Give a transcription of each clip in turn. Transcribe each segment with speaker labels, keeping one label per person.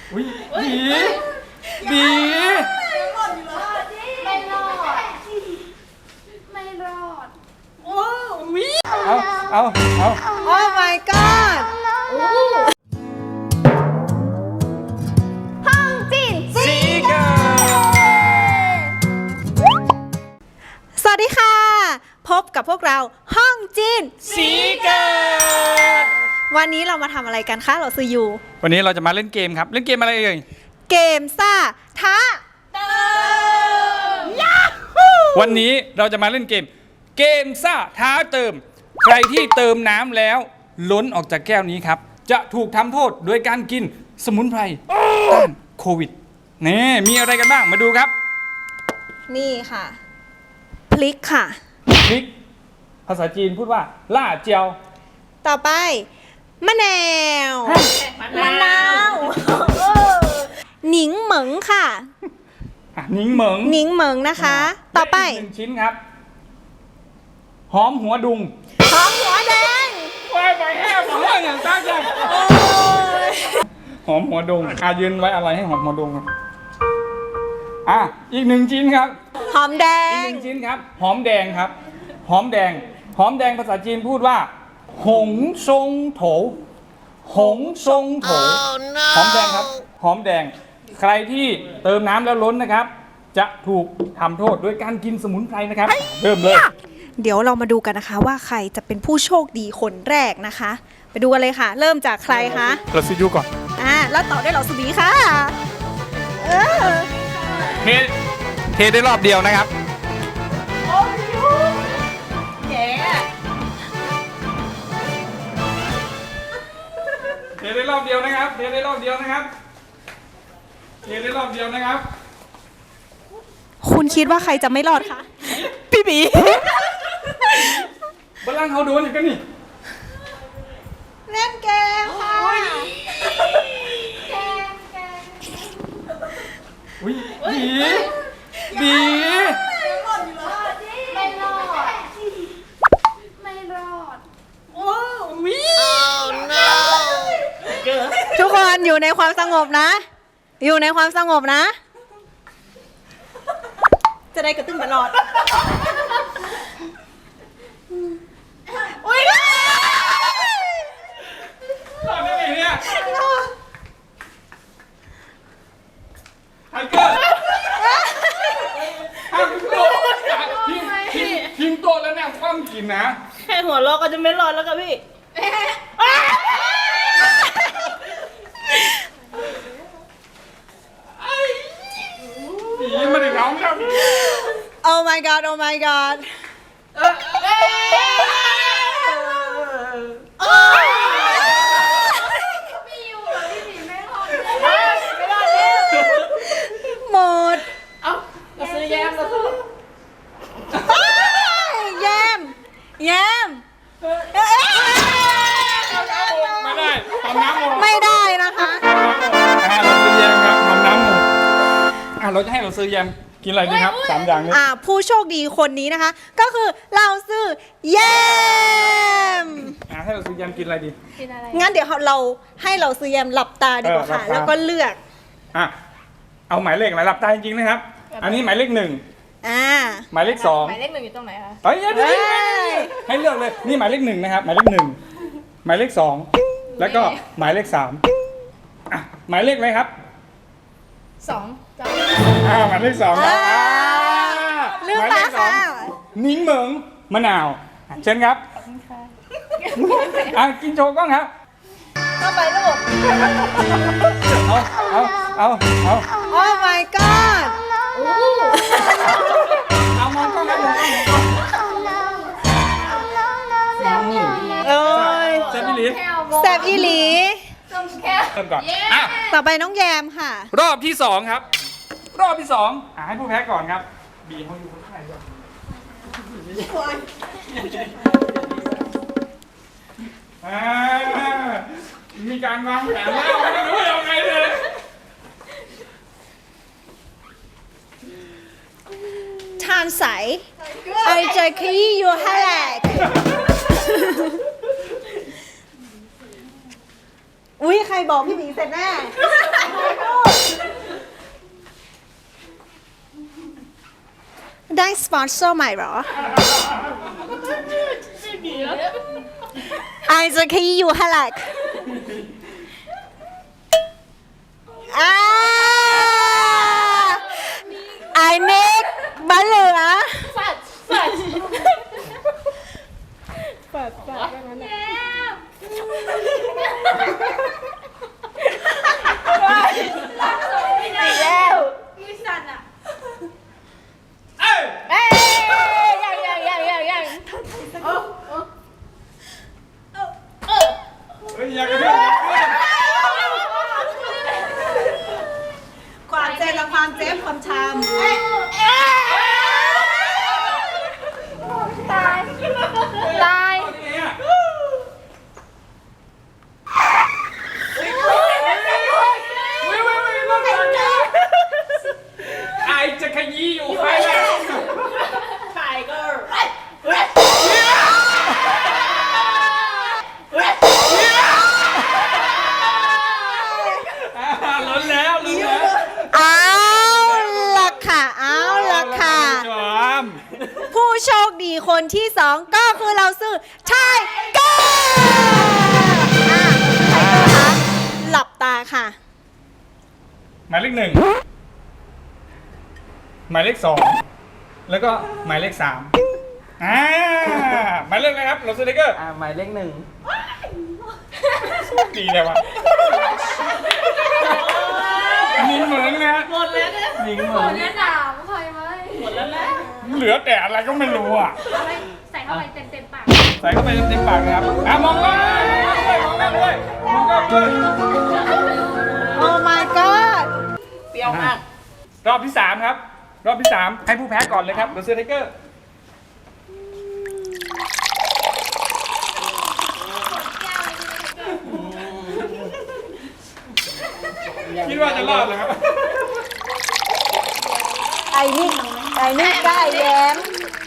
Speaker 1: อุ้ยบี
Speaker 2: ไม่รอดไม่รอดโอ้วิ
Speaker 1: เอา
Speaker 3: โอ้ my god
Speaker 2: ห้องจีน
Speaker 1: ซีเกิร์
Speaker 3: สวัสดีค่ะพบกับพวกเราห้องจีน
Speaker 1: ซีเกิร์
Speaker 3: วันนี้เรามาทำอะไรกันคะเราซื้ออยู่
Speaker 1: วันนี้เราจะมาเล่นเกมครับเล่นเกมอะไรเอ่ย
Speaker 3: เกมซ่าท้า
Speaker 2: เติม
Speaker 1: วันนี้เราจะมาเล่นเกมซ่าท้าเติมใครที่เติมน้ำแล้วล้นออกจากแก้วนี้ครับจะถูกทำโทษโดยการกินสมุนไพรต้านโควิดนี่มีอะไรกันบ้างมาดูครับ
Speaker 3: นี่ค่ะพริกค่ะ
Speaker 1: พริกภาษาจีนพูดว่าล่าเจียว
Speaker 3: ต่อไปมะนาวหนิงเหมิงค่ะ
Speaker 1: หนิงเห
Speaker 3: มิงนะคะต่อไป
Speaker 1: 1ชิ้นครับหอมหัวดุง
Speaker 3: หอมหัวแดง
Speaker 1: ไปแห้งอย่างตั้งใจหอมหัวดุงยืนไว้อะไรให้หอมหัวดุงอีก1ชิ้นครับ
Speaker 3: หอมแดง
Speaker 1: อีก1ชิ้นครับหอมแดงครับหอมแดงภาษาจีนพูดว่าหงซงโถหอมแดงครับหอมแดงใครที่เติมน้ำแล้วล้นนะครับจะถูกทำโทษด้วยการกินสมุนไพรนะครับเริ่มเลย
Speaker 3: เดี๋ยวเรามาดูกันนะคะว่าใครจะเป็นผู้โชคดีคนแรกนะคะไปดูกันเลยค่ะเริ่มจากใครคะ
Speaker 1: เราซิยูก่อน
Speaker 3: แล้วต่อด้วยเราสุบีค่ะ
Speaker 1: เทได้รอบเดียวนะครับเทได้รอบเดียวนะครับ
Speaker 3: คุณคิดว่าใครจะไม่รอดคะพี่บี
Speaker 1: บัลลังก์เขาโดนอย่างกันนี่
Speaker 3: เล่นเกมค่ะ
Speaker 1: บี
Speaker 2: ไม่รอด
Speaker 3: ทุกคนอยู่ในความสงบนะจะได้กระตุ้นตลอด
Speaker 1: รอดได้ไงเนี่ยไทเกอร์ทีมโตแล้วเนี่ยคว่ำกินนะ
Speaker 2: แค่หัวเราะก็จะไม่รอดแล้วกับพี่
Speaker 1: มาถึงน้องครับ
Speaker 3: Oh my god Oh my god หมด
Speaker 2: เราซื้อแยม
Speaker 3: แยม
Speaker 1: ไม่ได้ทำน้ำหมด
Speaker 3: ไม่ได้นะคะ
Speaker 1: เราซื้อแยมครับทำน้ำหมดเราจะให้เราซื้อแยมกินอะไรดีครับ3อย่างนี้
Speaker 3: ผู้โชคดีคนนี้นะคะก็คือเราซื้อแยม
Speaker 1: ให้เราซื้อแยมกินอะไรดี
Speaker 3: งั้นเดี๋ยวเราให้เราซื้อแยมหลับตาดีกว่าค่ะแล้วก็เลือก
Speaker 1: เอาหมายเลขอะไรหลับตาจริงๆนะครับอันนี้หมายเลข1หมายเลข2
Speaker 2: หมายเลข1อยู่ตรงไหนคะ
Speaker 1: ให้เลือกเลยนี่หมายเลข1นะครับหมายเลข1หมายเลข2แล้วก็หมายเลข3หมายเลขอะไรครับ
Speaker 2: 2
Speaker 1: หมายเลข2ครับ
Speaker 3: เลือกมาค่ะ
Speaker 1: นิ้งเหมิงมะนาวเชิญครับกินโชว์กล้องครับ
Speaker 2: เข้าไปลูก
Speaker 1: เอา
Speaker 3: Oh my god
Speaker 1: เอามองกล้องครับแซ่บ
Speaker 3: อีหลี
Speaker 1: เริ่มก่อน
Speaker 3: ต่อไปน้องแยมค่ะ
Speaker 1: รอบที่2ครับรอบที่2ให้ผู้แพ้ก่อนครับบีเขาอยู่ข้างในด้วยมีการวางแผนแล้วไม่รู้ยังไงเลย
Speaker 3: ทานใสไอจะขยี้อยู่ให้แหลกอุ้ยใครบอกพี่หมีเสร็จแน่สปอนเซอร์ใหม่เหรอไอจะขยี้อยู่ฮะลักไอเมกบ้านเหลือ
Speaker 2: แล้วมือสั่นอ่ะ
Speaker 1: เอ้ย
Speaker 2: เอ้ยยัง
Speaker 1: เฮ้ยอย่ากระเทือน
Speaker 3: ความเจ็บและความเจ็บความชาม
Speaker 2: ตาย
Speaker 1: เนี่ยไอจะขยี้อยู่ใครแหละล้นแล้ว
Speaker 3: เอาละค่ะเอาละค่ะ
Speaker 1: จอม
Speaker 3: ผู้โชคดีคนที่สองก็คือเราซื้อไทเกอร์ไทเกอร์คะหลับตาค่ะ
Speaker 1: หมายเลข 1 หมายเลข 2 แล้วก็หมายเลข 3หมายเลขอะไรครับเราสติ๊กเกอร์
Speaker 4: หมายเลข 1
Speaker 1: ดีเลยวะมีเหมือนนะ
Speaker 4: ยิงเห
Speaker 2: ข
Speaker 4: มื
Speaker 2: อ
Speaker 4: อน
Speaker 2: แนะนำใครไหม
Speaker 1: เหลือแต่อะไรก็ไม่รู้อ่ะ
Speaker 2: ใส่เข้าไปเต็มปาก
Speaker 1: ใส่เข้าไปเต็มปากเลยครับมองกล้องด้วยมองกล้องด้วยมองกล้องด้วย
Speaker 3: โอ้ my god
Speaker 4: เปรี้ยวมาก
Speaker 1: รอบที่ 3 ครับ รอบที่ 3 ให้ผู้แพ้ก่อนเลยครับเดอะสติ๊กเกอร์คิดว่าจะรอดเลยครับ
Speaker 3: ไอ้นี่กล้าแย้ม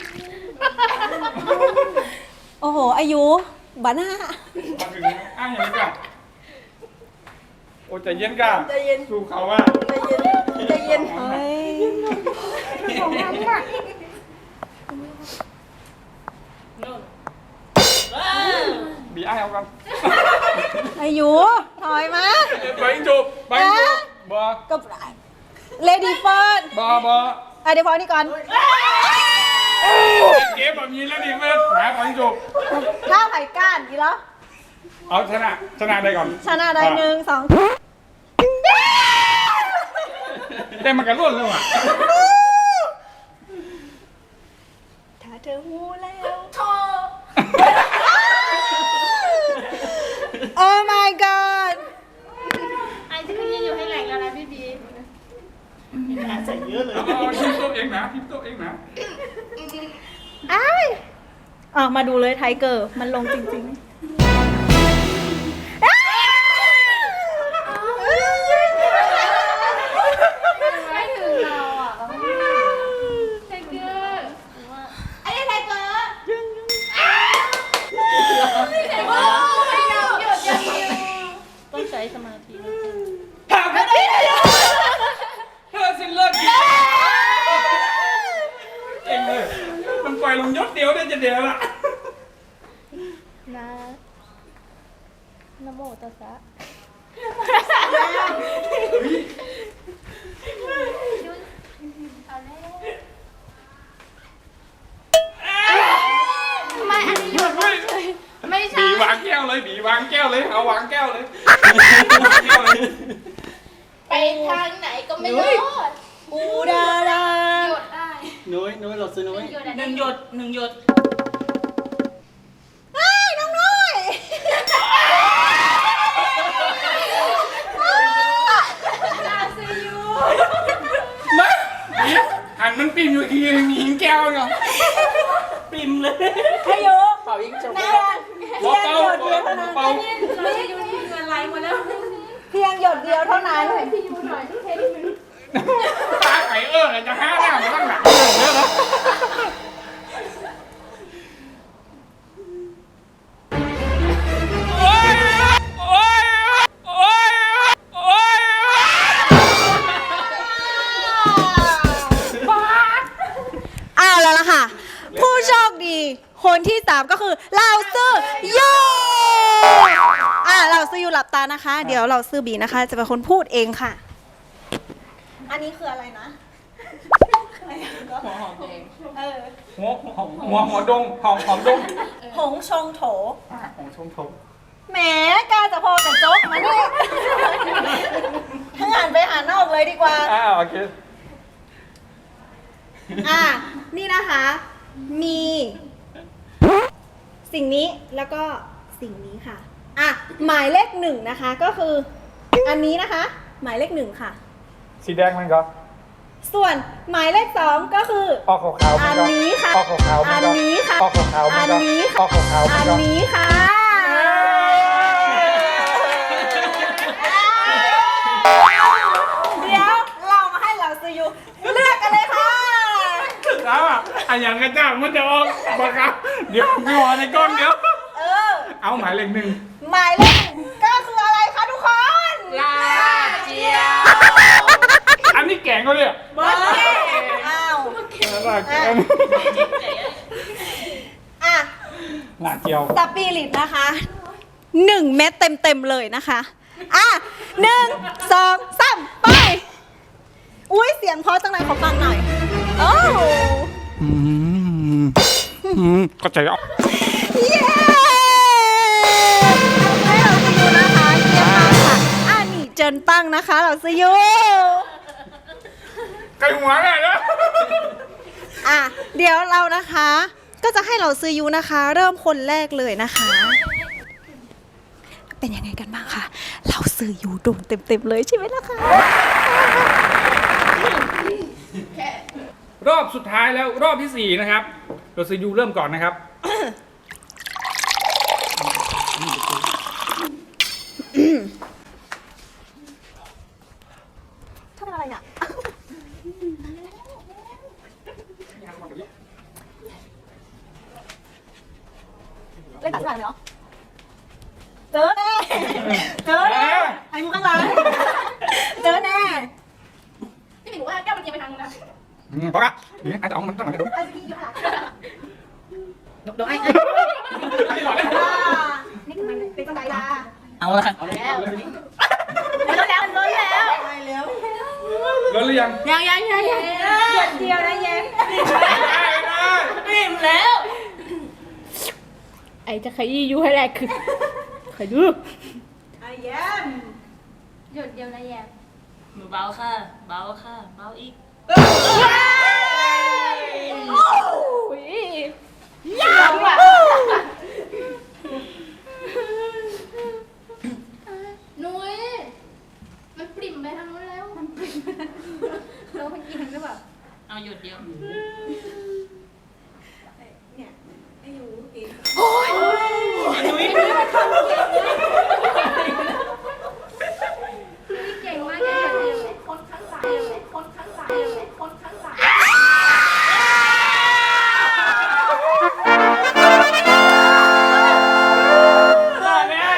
Speaker 3: โอ้โห อายุบ้าน่า
Speaker 1: มาถึงอ้างอย่างนี้ก่อนโอ้ใจเย็นก่ะสู้เขาว่า
Speaker 3: ใจเย็นเฮ้ย
Speaker 1: บีอ้ายเอากัน
Speaker 3: อายุถอยมา
Speaker 1: ไปยิงจูบไปยิงจูบบ่
Speaker 3: กับเลดี้เฟิร์ส
Speaker 1: บ่
Speaker 3: เดี๋ยวพอนี่ก่อน
Speaker 1: เกมแบบนี้แล้วดิเพื่อนหาไปยิงจูบ
Speaker 3: ข้าวไผ่ก้านกี่แล้ว
Speaker 1: เอาชนะได้ก่อน
Speaker 3: ชนะได้1 2
Speaker 1: ได้มันกันร่วนเลยว่ะ
Speaker 3: ถ้าเธอหูแล้ว
Speaker 2: โทร
Speaker 3: Oh my god
Speaker 2: ไอจะขึ้นอยู่ให้แหลกแล้วนะพี่บี
Speaker 1: เอาทิมตัวเองนะทิมตัวเองนะ
Speaker 3: อ้ายมาดูเลยไทเกอร์ มันลงจริงๆ
Speaker 2: ไม่ถึงเราอ่ะไทเกอร์ไอ้ไทเกอร์โอ้ยหยุดอย่างเดียว
Speaker 4: ต้องใช้สมาธิ
Speaker 1: ถามกันดิเธอสิ้นเลิกเก่งเลยมันปล่อยลงยศเดียวได้จะเดียวละ
Speaker 4: นะนะโมตัสสะ
Speaker 2: ไม่อันนี้หยุดไม่ใช่
Speaker 1: บีวางแก้วเลยบีวางแก้วเลยเอาวางแก้วเลยวางแก้วเลย
Speaker 2: ไปทางไหนก็ไม่รอด
Speaker 3: อูดารา
Speaker 2: หยุดได้
Speaker 4: นุ้ยเราซื้อนุ้ย
Speaker 2: หยุด
Speaker 4: หนึ่งหยดหนึ่งหยด
Speaker 3: เฮ้ยน้องน้อย
Speaker 2: นาซียู
Speaker 1: มาบีหันมันปีมอยู่ทีมีหิงแก้วเนาะ
Speaker 4: ปิมเลย
Speaker 3: อายุ
Speaker 4: เป่ายิงจบ
Speaker 3: เพียง
Speaker 1: เบา
Speaker 3: หยดเดียวเท่านั้น
Speaker 1: เบา
Speaker 2: นาซียูนี่เงินไหลหมดแล้ว
Speaker 3: เพียงหยดเดียวเท่านั้น
Speaker 2: พี่ยูหน่อยเทคนิค
Speaker 1: ตาไข่จะห้าหน้ามันต้องหนักเยอะนะโอ้ยโอ้ยโอ้ยโอ้ย
Speaker 3: เอาคนที่ 3 ก็คือเหล่าซื่อยูเหล่าซื่อยูหลับตานะคะ เดี๋ยวเหล่าซื่อบีนะคะจะเป็นคนพูดเองค่ะ อันนี้คืออะไรนะ
Speaker 4: หัวหอมแดง
Speaker 1: หัวดงหอมดง
Speaker 3: หงชงโถ
Speaker 1: ของชมทบ
Speaker 3: แหมกล้าจะพอกับโจ๊กมาเนี่ยถ้าหันไปหานอกเลยดีกว่า
Speaker 1: โอเค
Speaker 3: นี่นะคะ มีสิ่งนี้แล้วก็สิ่งนี้ค่ะ หมายเลข 1นะคะ ก็คืออันนี้นะคะ หมายเลข 1ค่ะ
Speaker 1: สีแดงมันก็
Speaker 3: ส่วนหมายเลข 2ก็คือ
Speaker 1: ออกขาวๆ
Speaker 3: อันนี้ค่ะ
Speaker 1: ออกขาวๆ
Speaker 3: อันนี้ค่ะ
Speaker 1: ออกขาวๆ
Speaker 3: อันนี้ค่ะ
Speaker 1: ออกขาวๆ
Speaker 3: อันนี้ค่ะ เดี๋ยวเรามาให้เราซื้ออยู่เลือกกันเลยค่ะ
Speaker 1: แล้วอันอย่างกระจ่างมันจะออกบังคับเดี๋ยวพี่วอในก้อนเดี๋ยว เอาหมายเลข 1
Speaker 3: หมายเลขก็คืออะไรคะทุกคน
Speaker 4: ลาเจียว
Speaker 1: อันนี้แกงก็เนี่ย
Speaker 3: เบอร์อ้าว
Speaker 1: หน้าเจียว
Speaker 3: สปิริตนะคะ 1 เม็ดเต็มเลยนะคะ1 2 3ไปอุ้ยเสียงเพราะจังเลยขอฟังหน่อยโอ้
Speaker 1: เข้าใจเอา
Speaker 3: เย้ให้เราซียูนะคะเยี่ยมมากค่ะนี่เจินตั้งนะคะเราซียู
Speaker 1: ไก่หัวไงนะ
Speaker 3: เดี๋ยวเรานะคะ ก็จะให้เราซื้อยูนะคะ เริ่มคนแรกเลยนะคะ เป็นยังไงกันบ้างคะเราซื้อยูโดนเต็มเลยใช่ไหมล่ะคะ
Speaker 1: รอบสุดท้ายแล้วรอบที่ 4 นะครับเราซียูเริ่มก่อนนะครับ
Speaker 3: ทำอะไรเนี่ยเล่นตัดอะไรเนาะเจอแน่ไอ้มุกข้างหลังเจอแน่
Speaker 2: พี่หมิงว่าแก้วมันเอียงไปทางนู้นนะ
Speaker 1: เพราะว่านี่อาจจะเอามันตั้งหลังกระดูก
Speaker 3: ไอ้พี่อยู่ข้างหลัง
Speaker 4: โดนไอ้
Speaker 3: นี่คือมันเป็นจังไดล่ะ
Speaker 4: เอาละ
Speaker 2: แล้ว
Speaker 3: ล้นแล้วล้นแล้ว
Speaker 1: รู้หรือยัง
Speaker 2: ยัง
Speaker 3: เดียวนะเย็น
Speaker 2: ปิ่มแล้ว ไอจะขยี้ยูให้แรกคือขยี้
Speaker 3: ไอ้เย็น
Speaker 2: หยุดเดียวนะแยม
Speaker 4: มือเบาค่ะ เบาค่ะ เบาอีก
Speaker 2: อุ้ยยาวอ่ะนุ้ยมันปริ่มไปทางนู้นแล้วมันปริ่มเราไปกินหรือเปล่า
Speaker 4: เอาหยุดเดียว
Speaker 3: เนี่ยไอ้ยูกิน
Speaker 2: เก่งมากแกคนข้างหลังคนข้างหลังคนข้างหลัง
Speaker 3: รอดแล้ว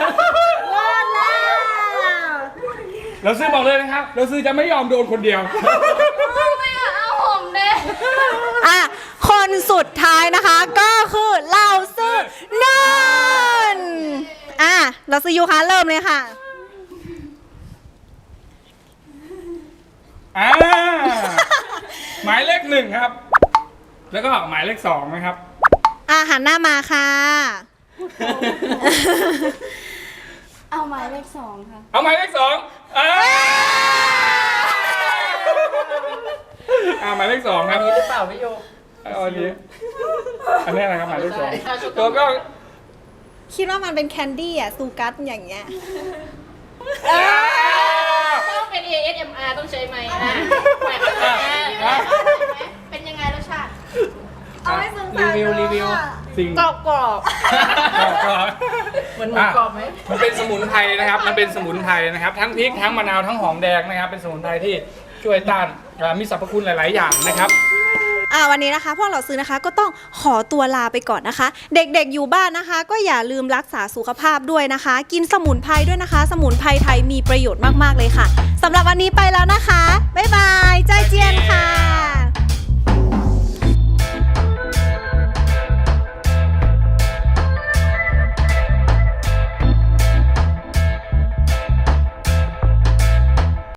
Speaker 1: เราซื้อบอกเลยนะครับเราซื้อจะไม่ยอมโดนคนเดียว
Speaker 2: ไม่อะเอาผมเด้
Speaker 3: คนสุดท้ายนะคะก็คือเราซื้อนันเราซื้อยูคะเริ่มเลยค่ะ
Speaker 1: หมายเลข 1 ครับ แล้วก็หมายเลข 2 นะครับ
Speaker 3: หันหน้ามาค่ะ
Speaker 2: เอาหมายเลข 2 ค่ะ
Speaker 1: เอาหมายเลข 2หมายเลข 2 ครับ
Speaker 4: มีหรือเปล่าพี่โย
Speaker 1: เอาอันนี้อันนี้นะครับหมายเลข 2 ตัวก็
Speaker 3: คิดว่ามันเป็นแคนดี้ซูกัสอย่างเงี้ย
Speaker 2: ต้องเป็น ASMR ต้องใช้ไหมเป็นยังไงรสชาติ
Speaker 3: เอาให้ซึมซับ
Speaker 4: รีวิว
Speaker 1: สิ่ง
Speaker 2: กรอบ
Speaker 1: กรอบ
Speaker 4: เหมือนหมูกรอบไหม
Speaker 1: มันเป็นสมุนไพรนะครับ มันเป็นสมุนไพรนะครับ ทั้งพริกทั้งมะนาวทั้งหอมแดงนะครับ เป็นสมุนไพรที่ช่วยต้านมีสรรพคุณหลาย ๆ อย่างนะครับ
Speaker 3: วันนี้นะคะพวกเราซื้อนะคะก็ต้องขอตัวลาไปก่อนนะคะ เด็กๆอยู่บ้านนะคะ ก็อย่าลืมรักษาสุขภาพด้วยนะคะ กินสมุนไพรด้วยนะคะ สมุนไพรไทยมีประโยชน์มากๆเลยค่ะสำหรับวันนี้ไปแล้วนะคะบ๊ายบายใจเจียนค่ะ